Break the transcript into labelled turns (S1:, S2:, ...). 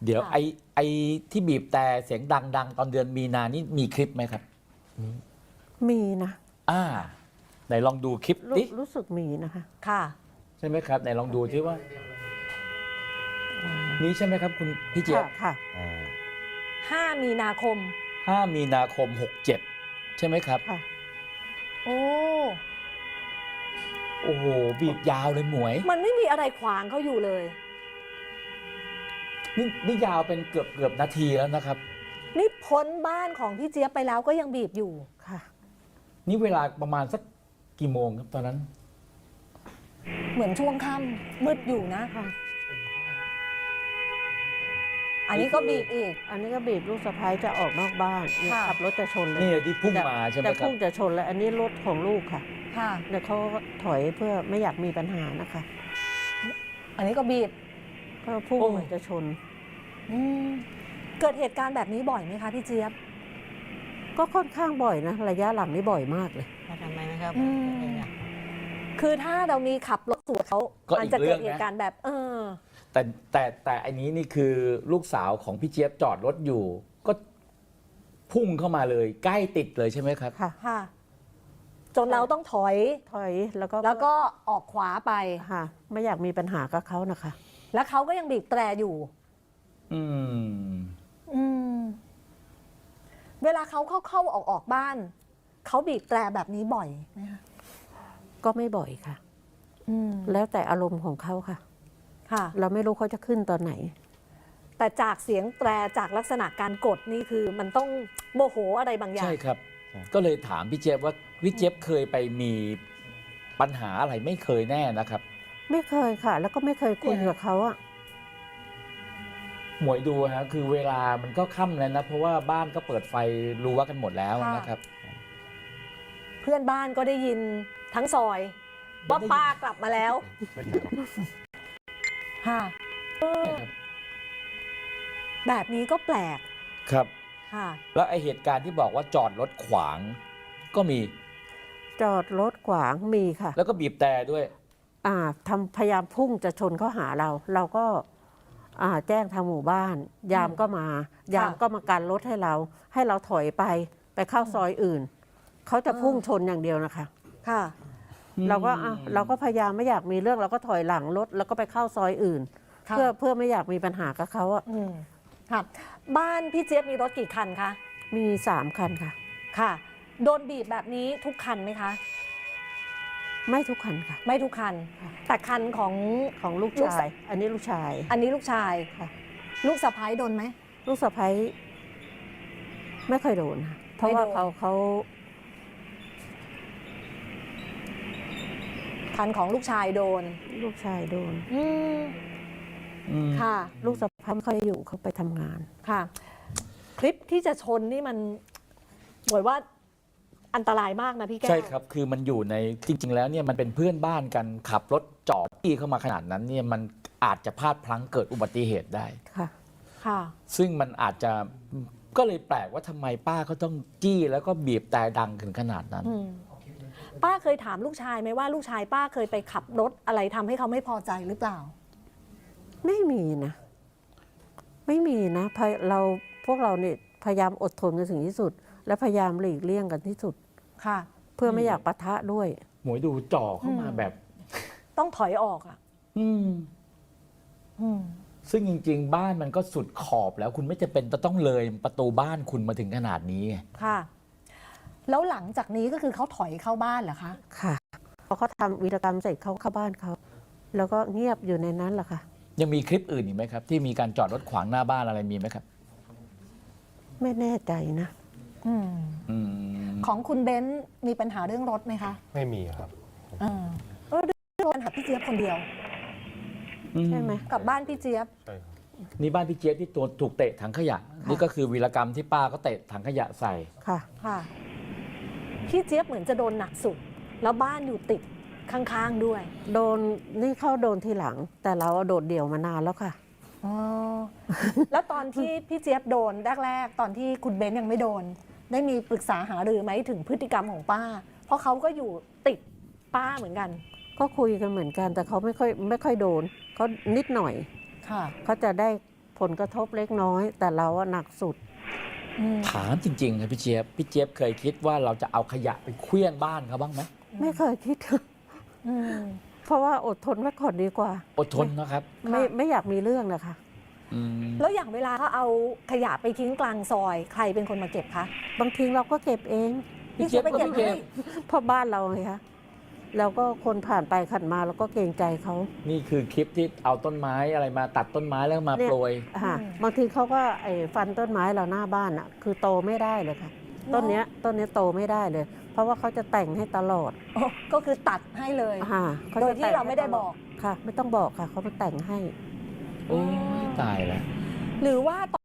S1: เดี๋ยวไอที่บีบแต่เสียงดังตอนเดือนมีนานี่มีคลิปไหมครับ
S2: มีนะ
S1: ไหนลองดูคลิปดิ
S2: รู้สึกมีนะคะ
S3: ค่ะ
S1: ใช่ไหมครับไหนลองดูที่ว่านี้ใช่ไหมครับคุณพี่เจี๊ยบ
S2: ค่ะ
S3: 5 มีนาคม
S1: 5 มีนาคม 67ใช่ไหมครับ
S2: ค่ะ
S3: โอ้
S1: โหบีบยาวเลยหมวย
S3: มันไม่มีอะไรขวางเขาอยู่เลย
S1: นี่ยาวเป็นเกือบนาทีแล้วนะครับ
S3: นี่พ้นบ้านของพี่เจี๊ยบไปแล้วก็ยังบีบอยู่
S2: ค่ะ
S1: นี่เวลาประมาณสักกี่โมงครับตอนนั้น
S3: เหมือนช่วงค่ำมืดอยู่นะ
S2: ค่ะ
S3: อันนี้ก็บีบอีก
S2: อันนี้ก็บีบลูกสะใภ้จะออกนอกบ้านขับรถจะชนเลย
S1: นี่ที่พุ่งมาใช่ไหมครับ
S2: จะพุ่งจะชนแล้วอันนี้รถของลูกค่ะ
S3: ค่ะ
S2: เนี่ยเขาถอยเพื่อไม่อยากมีปัญหานะคะ
S3: อันนี้ก็บีบ
S2: ก็พุ่งจะชน
S3: เกิดเหตุการณ์แบบนี้บ่อยไหมคะพี่เจี๊ยบ
S2: ก็ค่อนข้างบ่อยนะระยะหลังนี่บ่อยมากเลย
S4: ทำไมนะครับ
S3: คือถ้าเรามีขับรถสวนเขาอาจจะเกิดเหตุการณ์แบบ
S1: แต่อันนี้นี่คือลูกสาวของพี่เจี๊ยบจอดรถอยู่ก็พุ่งเข้ามาเลยใกล้ติดเลยใช่ไหมครับ
S3: ค่ะจนเราต้องถอยแล้วก็ออกขวาไป
S2: ค่ะไม่อยากมีปัญหากับเขานะคะ
S3: แล้วเขาก็ยังบีบแตรอยู่เวลาเขาเข้าออกบ้านเขาบีบแตรแบบนี้บ่อยไหมคะ
S2: ก็ไม่บ่อยค่ะแล้วแต่อารมณ์ของเขาค่ะเราไม่รู้เขาจะขึ้นตอนไหน
S3: แต่จากเสียงแตรจากลักษณะการกดนี่คือมันต้องโมโหอะไรบางอย่าง
S1: ใช่ครับก็เลยถามพี่เจี๊ยบว่าพี่เจี๊ยบเคยไปมีปัญหาอะไรไม่เคยแน่นะครับ
S2: ไม่เคยค่ะแล้วก็ไม่เคยคุยกับเขาอะ
S1: หมวยดูฮะคือเวลามันก็ค่ำแล้วนะเพราะว่าบ้านก็เปิดไฟรั้วกันหมดแล้วนะครับ
S3: เพื่อนบ้านก็ได้ยินทั้งซอยว่าป้ากลับมาแล้วค่ะแบบนี้ก็แปลก
S1: ครับ
S3: ค่ะ
S1: แล้วไอเหตุการณ์ที่บอกว่าจอดรถขวางก็มี
S2: จอดรถขวางมีค่ะ
S1: แล้วก็บีบแต่ด้วย
S2: พยายามพุ่งจะชนเข้าหาเราก็แจ้งทางหมู่บ้านยามก็มากันรถให้เราถอยไปเข้าซอยอื่นเขาจะพุ่งชนอย่างเดียวนะคะ
S3: ค่ะ
S2: เราก็พยายามไม่อยากมีเรื่องเราก็ถอยหลังรถแล้วก็ไปเข้าซอยอื่นเพื่อไม่อยากมีปัญหากับเขา
S3: ค่ะบ้านพี่เจี๊ยบมีรถกี่คันคะ
S2: มี3 คันค่ะ
S3: ค่ะโดนบีบแบบนี้ทุกคันไหมคะ
S2: ไม่ทุกคันค่ะ
S3: ไม่ทุกคันแต่คัน
S2: ของลูกชายอันนี้ลูกชาย
S3: ค่ะลูกสะใภ้โดนไหม
S2: ลูกสะใภ้ไม่เคยโดนค่ะเพราะว่าเขา
S3: คันของลูกชายโดนค่ะ
S2: ลูกสะใภ้ไม่ค่อยอยู่เขาไปทำงาน
S3: ค่ะคลิปที่จะชนนี่มันบอกว่าอันตรายมากนะพี่แก้ว
S1: ใช่ครับคือมันอยู่ในจริงๆแล้วเนี่ยมันเป็นเพื่อนบ้านกันขับรถจอดที่เข้ามาขนาดนั้นเนี่ยมันอาจจะพลาดพลั้งเกิดอุบัติเหตุได้
S3: ค่ะ
S1: ซึ่งมันอาจจะก็เลยแปลกว่าทำไมป้าเขาต้องจี้แล้วก็บีบแต่ดังถึงขนาดนั้น
S3: ป้าเคยถามลูกชายไหมว่าลูกชายป้าเคยไปขับรถอะไรทำให้เขาไม่พอใจหรือเปล่า
S2: ไม่มีนะพวกเราเนี่ยพยายามอดทนกันถึงที่สุดและพยายามหลีกเลี่ยงกันที่สุด
S3: ค่ะ
S2: เพื่อไม่อยากปะทะด้วย
S1: หมวยดูจ่อเข้ามาแบบ
S3: ต้องถอยออก
S1: ซึ่งจริงๆบ้านมันก็สุดขอบแล้วคุณไม่จำเป็นต้องเลยประตูบ้านคุณมาถึงขนาดนี้
S3: ค่ะแล้วหลังจากนี้ก็คือเขาถอยเข้าบ้านเหรอคะ
S2: ค่ะพอเขาทำวีรกรรมเสร็จเขาเข้าบ้านเขาแล้วก็เงียบอยู่ในนั้นแหละค่ะ
S1: ยังมีคลิปอื่นอีกไหมครับที่มีการจอดรถขวางหน้าบ้านอะไรมีไหมครับ
S2: ไม่แน่ใจนะ
S3: ของคุณเบนซ์มีปัญหาเรื่องรถไหมคะ
S5: ไม่มีครับ
S3: เรื่องปัญหาพี่เจี๊ยบคนเดียว
S2: ใช่ไหม
S3: กับบ้านพี่เจี๊ยบ
S5: ใช่ครับ
S1: นี่บ้านพี่เจี๊ยบที่ตัวถูกเตะถังขยะนี่ก็คือวีรกรรมที่ป้าก็เตะถังขยะใส่
S3: ค่ะพี่เจี๊ยบเหมือนจะโดนหนักสุดแล้วบ้านอยู่ติดข้างๆด้วย
S2: นี่เข้าโดนทีหลังแต่เราโดดเดี่ยวมานานแล้วค่ะ
S3: แล้วตอนที่พี่เจี๊ยบโดนแรกๆตอนที่คุณเบนซ์ยังไม่โดนได้มีปรึกษาหารือไหมถึงพฤติกรรมของป้าเพราะเขาก็อยู่ติดป้าเหมือนกัน
S2: ก็คุยกันเหมือนกันแต่เขาไม่ค่อยโดนเขานิดหน่อยเขาจะได้ผลกระทบเล็กน้อย แต่เราอะหนักสุด
S3: อืม
S1: ถามจริงๆครับพี่เจี๊ยบเคยคิดว่าเราจะเอาขยะไปเคลี้ยงบ้านเขาบ้างไหม
S2: ไม่เคยคิด
S3: อืม
S2: เพราะว่าอดทนไว้ก่อนดีกว่า
S1: อดทนนะครับ
S2: ไม่อยากมีเรื่องนะคะ
S1: อืม
S3: แล้วอย่างเวลาเขาเอาขยะไปทิ้งกลางซอย ใครเป็นคนมาเก็บคะ
S2: บางทีเราก็เก็บเอง
S1: พี่เจี๊ยบ
S3: ไปเก็บ
S1: ก็เก็บ
S3: ให้
S2: เพราะบ้านเราไงคะแล้วก็คนผ่านไปผ่านมาเราก็เกรงใจเขา
S1: นี่คือคลิปที่เอาต้นไม้อะไรมาตัดต้นไม้แล้วมา
S2: เนี่ย
S1: โปรย
S2: ค่ะบางทีเขาก็ฟันต้นไม้เราหน้าบ้านอ่ะ คือโตไม่ได้เลยค่ะ ต้นเนี้ยโตไม่ได้เลย เพราะว่าเขาจะแต่งให้ตลอด
S3: โอ้ก็คือตัดให้เลย
S2: ค่ะข
S3: โด
S2: จะ
S3: ยที่
S2: แต่ง
S3: เราไม่ได้
S2: ให้ตล
S3: บอก
S2: ค่ะ ไม่ต้องบอกค่ะเขามาแต่งให้
S1: โอ้ยตายแล้ว
S3: หรือว่า